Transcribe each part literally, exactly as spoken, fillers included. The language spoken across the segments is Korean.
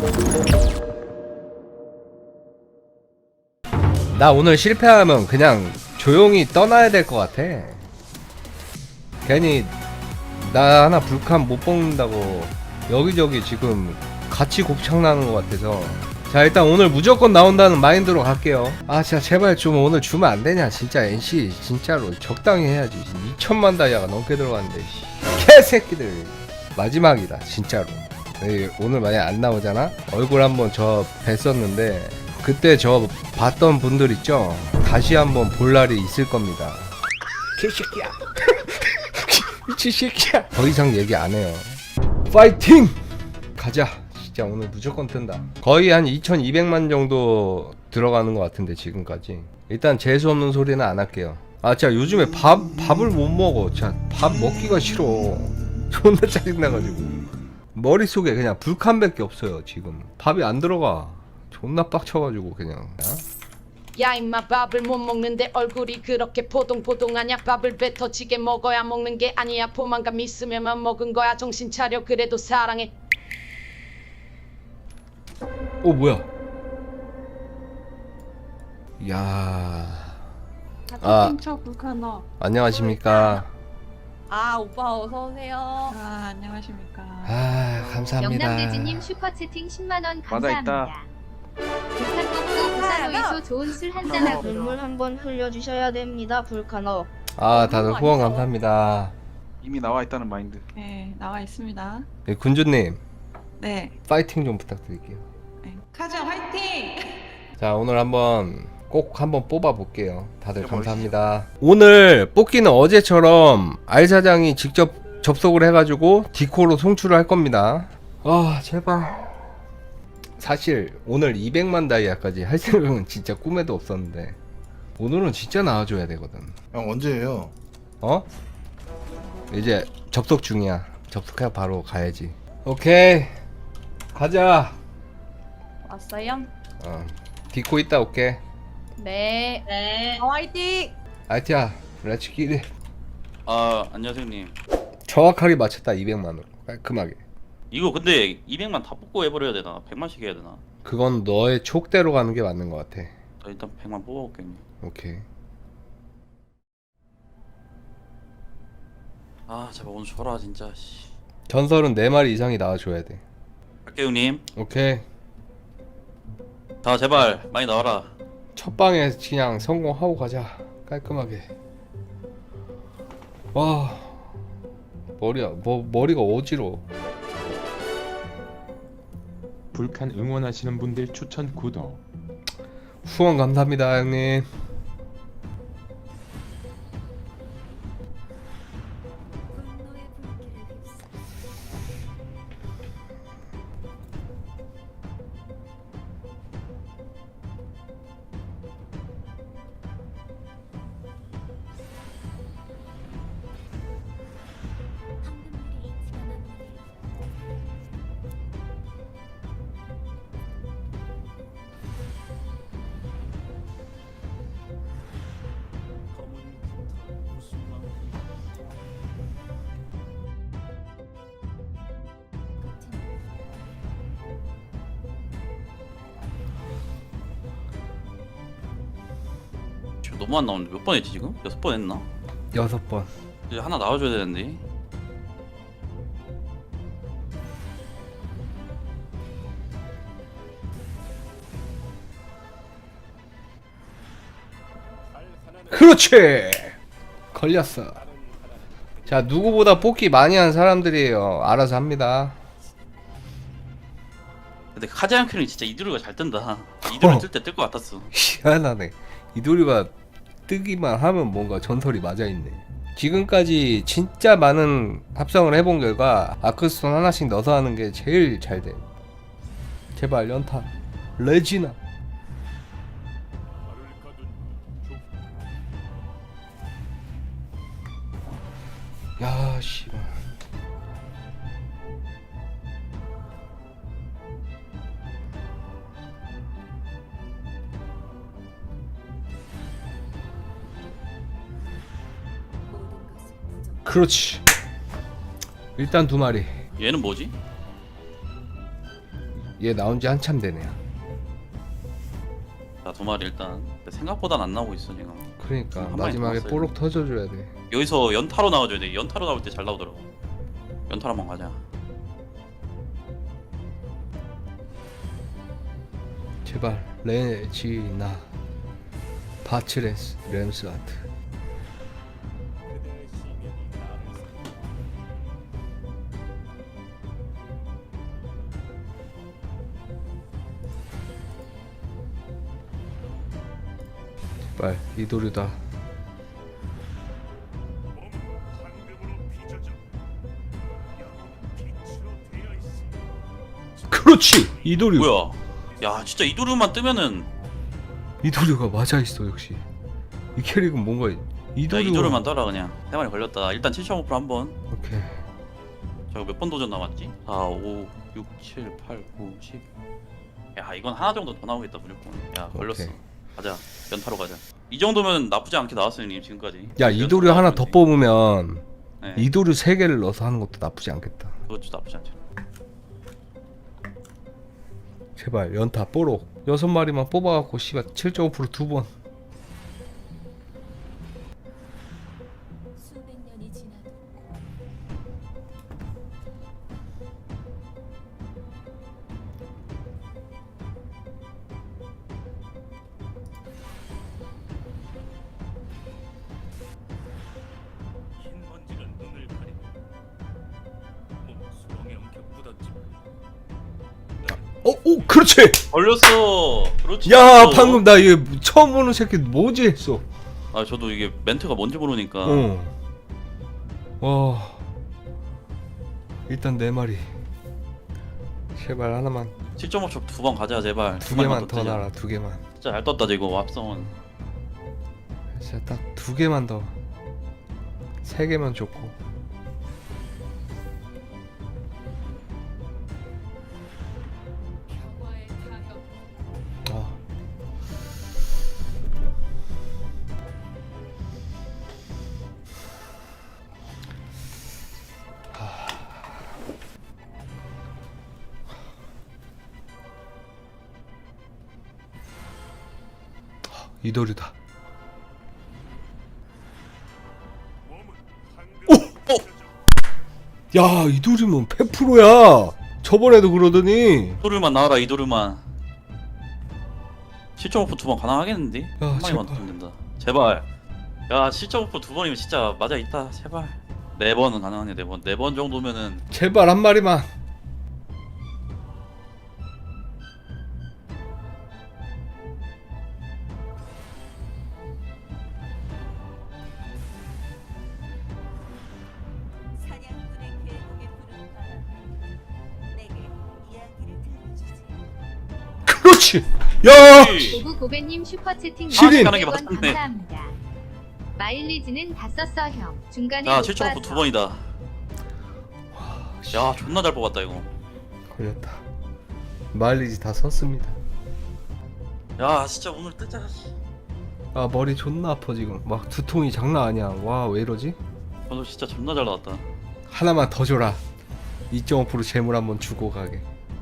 나 오늘 실패하면 그냥 조용히 떠나야 될 것 같아. 괜히 나 하나 불칸 못 뽑는다고 여기저기 지금 같이 곱창 나는 것 같아서. 자, 일단 오늘 무조건 나온다는 마인드로 갈게요. 아 진짜 제발 좀 오늘 주면 안 되냐 진짜. 엔씨 진짜로 적당히 해야지. 이천만 다이아가 넘게 들어갔는데 개새끼들. 마지막이다 진짜로. 오늘 만약 안 나오잖아? 얼굴 한번 저 뵀었는데 그때 저 봤던 분들 있죠? 다시 한번 볼 날이 있을 겁니다. 개새끼야. 미친 새끼야. 더 이상 얘기 안 해요. 파이팅! 가자. 진짜 오늘 무조건 뜬다. 거의 한 이천이백만 정도 들어가는 것 같은데 지금까지. 일단 재수 없는 소리는 안 할게요. 아 진짜 요즘에 밥 밥을 못 먹어. 진짜 밥 먹기가 싫어. 존나 짜증나가지고 머릿속에 그냥 불칸밖에 없어요. 지금 밥이 안 들어가. 존나 빡쳐가지고 그냥. 어? 야 임마 밥을 못 먹는데 얼굴이 그렇게 포동포동하냐. 밥을 배 터지게 먹어야 먹는 게 아니야. 포만감 있으면만 먹은 거야. 정신 차려. 그래도 사랑해. 오 뭐야? 야. 아 불카너. 안녕하십니까. 아 오빠 어서 오세요. 아 안녕하십니까. 아 감사합니다. 영남돼지님 슈퍼채팅 십만 원 감사합니다. 불칸 뽑고 부산호에서 좋은 술 한잔하고 눈물 한번 흘려주셔야 됩니다, 불카너. 아 다들 후원 감사합니다. 이미 나와 있다는 마인드. 네 나와 있습니다. 네, 군주님 네. 파이팅 좀 부탁드릴게요. 네. 카자 화이팅. 자 오늘 한번 꼭 한번 뽑아 볼게요. 다들 감사합니다. 오늘 뽑기는 어제처럼 알 사장이 직접 접속을 해가지고 디코로 송출을 할 겁니다. 아 제발. 사실 오늘 이백만 다이아까지 할 생각은 진짜 꿈에도 없었는데 오늘은 진짜 나와줘야 되거든. 형 언제예요? 어? 이제 접속 중이야. 접속해 바로 가야지. 오케이 가자. 왔어요? 어 디코 있다 올게. 네. 네. 화이팅. 아이티야 렛츠 기릿. 아 안녕하세요 형님. 정확하게 맞췄다. 이백만으로 깔끔하게. 이거 근데 이백만 다 뽑고 해버려야 되나? 백만씩 해야 되나? 그건 너의 촉대로 가는 게 맞는 것 같아. 저 일단 백만 뽑아볼게요 형님. 오케이. 아 제발 오늘 줘라 진짜 씨. 전설은 네 마리 이상이 나와줘야 돼. 갈게요 형님. 오케이. 자 제발 많이 나와라. 첫 방에 그냥 성공하고 가자. 깔끔하게. 와 머리야 뭐 머리가 어지러워. 불칸 응원하시는 분들 추천 구독. 후원 감사합니다 형님. 지금 너무 안 나오는데 몇 번 했지 지금? 여섯 번 했나? 여섯 번. 이제 하나 나와줘야 되는데. 그렇지. 걸렸어. 자 누구보다 뽑기 많이 한 사람들이에요. 알아서 합니다. 근데 카자양 큐는 진짜 이두루가 잘 뜬다. 이두루 뜰 때 뜰 것 같았어. 희한하네. 이도리가 뜨기만 하면 뭔가 전설이 맞아있네. 지금까지 진짜 많은 합성을 해본 결과 아크스톤 하나씩 넣어서 하는 게 제일 잘 돼. 제발 연타 레지나. 야 씨발. 그렇지. 일단 두 마리. 얘는 뭐지? 얘 나온 지 한참 되네요. 자, 두 마리 일단. 근데 생각보다는 안 나오고 있어 지금. 그러니까 한 마리 마지막에 남았어요. 뽀록 터져줘야 돼. 여기서 연타로 나와줘야 돼. 연타로 나올 때 잘 나오더라고. 연타로 한번 가자. 제발 레지나 바츠레스 램스아트. 제발 이도류다. 그렇지 이도류. 뭐야? 야, 진짜 이도류만 뜨면은 이도류가 맞아 있어 역시. 이 캐릭은 뭔가 야, 이도류. 이도류만 따라 그냥. 세 마리 걸렸다. 일단 칠 점 오 퍼센트 한번. 오케이. 저거 몇 번 도전 남았지? 사, 오, 육, 칠, 팔, 구, 십. 야, 이건 하나 정도 더 나오겠다 무조건. 야, 걸렸어. 오케이. 가자. 연타로 가자. 이 정도면 나쁘지 않게 나왔어요, 님 지금까지. 야 이도류 연타로 하나 나왔지. 더 뽑으면 네, 이도류 세 개를 넣어서 하는 것도 나쁘지 않겠다. 그것도 나쁘지 않죠. 제발 연타 뽀록 여섯 마리만 뽑아갖고 씨발 칠 점 오 퍼센트 두 번. 수백 년이 지나도 흰 먼지가 눈을 가리고 몸 수렁에 엉켜 묻었지만 어, 오, 그렇지. 걸렸어. 그렇지. 야, 걸렸어. 방금 나 얘 처음 보는 새끼 뭐지 했어. 아, 저도 이게 멘트가 뭔지 모르니까. 어. 와. 일단 네 마리. 제발 하나만, 칠 점 오 초 두 번 가자 제발. 두 마리만 개만 더 뜨자. 나라, 두 개만. 진짜 잘 떴다 지금 합성은. 진짜 딱 두 개만 더. 세 개만 좋고. 아. 이도류다. 오! 야, 이도류면 백 퍼센트야. 저번에도 그러더니. 이도류만 나와라 이도류만. 칠 점 오 퍼센트 두 번 가능하겠는데? 야, 한 마리만 제발. 더 된다. 제발. 야, 칠 점 오 퍼센트 두 번이면 진짜 맞아 있다. 제발. 네 번은 가능하네. 네 번. 네 번 정도면은 제발 한 마리만. 사냥꾼의 계곡에 부른 바람 내게 이야기를 들려주지. 그렇지. 야. 고부 고배님 슈퍼채팅 시린. 가는 게 원 맞았네. 감사합니다. 마일리지는 다 썼어 형. 중간에 야, 못 칠 점 오 퍼센트 두 봐서. 번이다. 씨, 야, 존나 잘 뽑았다 이거. 걸렸다. 마일리지 다 썼습니다. 야, 진짜 오늘 뜨자. 아, 머리 존나 아파 지금. 막 두통이 장난 아니야. 와, 왜 이러지? 오늘 진짜 존나 잘 나왔다. 하나만 더 줘라. 이 점 오 퍼센트 재물 한번 주고 가게.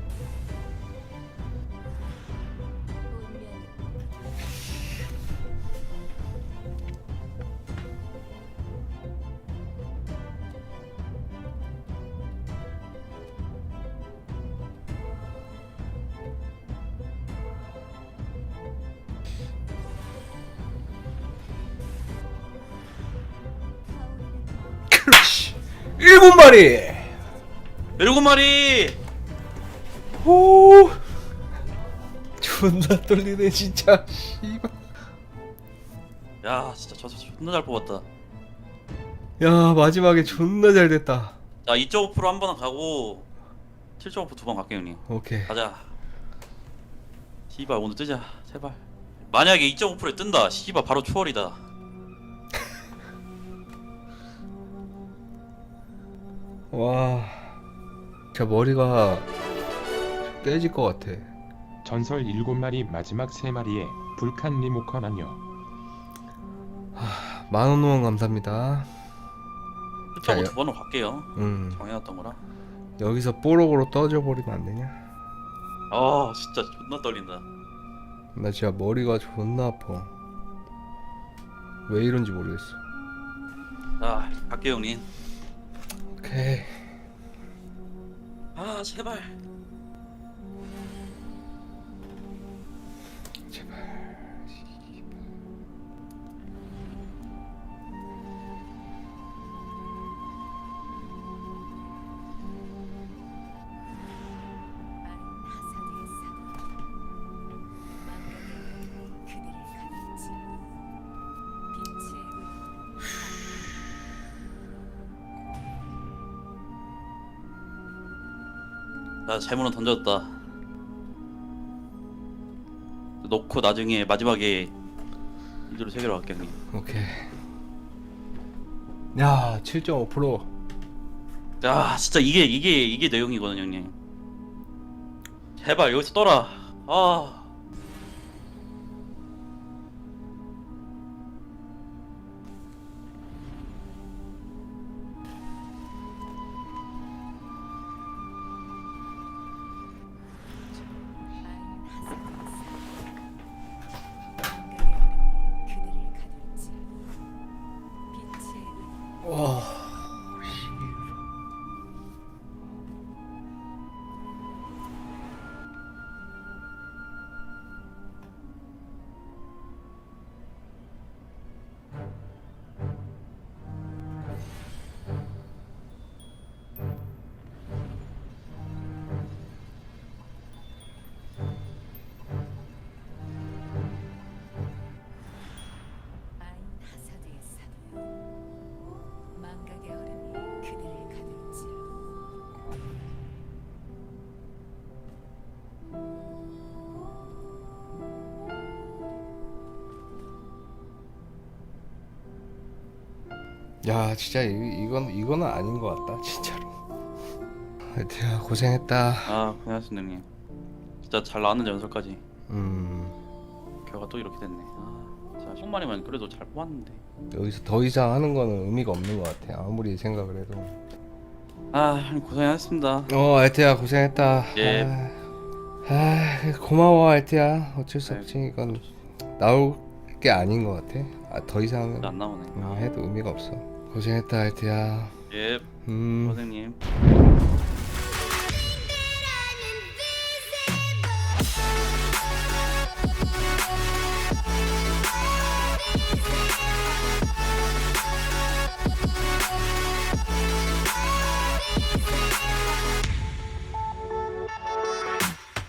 그렇지. 일곱 마리. 일곱 마리. 오. 존나 떨리네 진짜. 씨발. 야, 진짜 저, 저 존나 잘 뽑았다. 야, 마지막에 존나 잘 됐다. 자, 이 점 오 퍼센트 한 번 가고 칠 점 오 퍼센트 두 번 갈게요 형님. 오케이. 가자. 씨발 오늘 뜨자 제발. 만약에 이 점 오 퍼센트에 뜬다. 씨발 바로 초월이다. 와. 제 머리가 깨질 것 같아. 전설 일곱 마리 마지막 세 마리에 불칸 리모컨 아니요. 만원 후원 감사합니다. 칠 점 오 자, 두 번으로 갈게요. 음. 정해놨던 거라. 여기서 뽀록으로 떠져 버리면 안 되냐? 아 진짜 존나 떨린다. 나 진짜 머리가 존나 아파. 왜 이런지 모르겠어. 아 갈게요 형님. 오케이. 아 제발. 나 재물은 던졌다. 놓고 나중에 마지막에 이대로 세 개로 갈게 형님. 오케이. 야, 칠 점 오 퍼센트. 야 진짜 이게 이게 이게 내용이거든 형님. 제발 여기서 떠라. 아. 와. 야, 진짜 이, 이건 이거는 아닌 것 같다, 진짜로. 하여튼 고생했다. 아 고생하셨습니다 형님. 진짜 잘 나왔는데 연설까지. 음, 결과 또 이렇게 됐네. 아 진짜 손만이면 그래도 잘 뽑았는데. 여기서 더 이상 하는 거는 의미가 없는 것 같아. 아무리 생각을 해도. 아 형님 고생하셨습니다. 어, 알트야 고생했다. 예. 아, 아, 고마워 알트야. 어쩔 수 없지. 이건 나올 게 아닌 것 같아. 아, 더 이상은 안 나오네. 음, 해도 의미가 없어. 고생했다 알트야. 예 음. 선생님.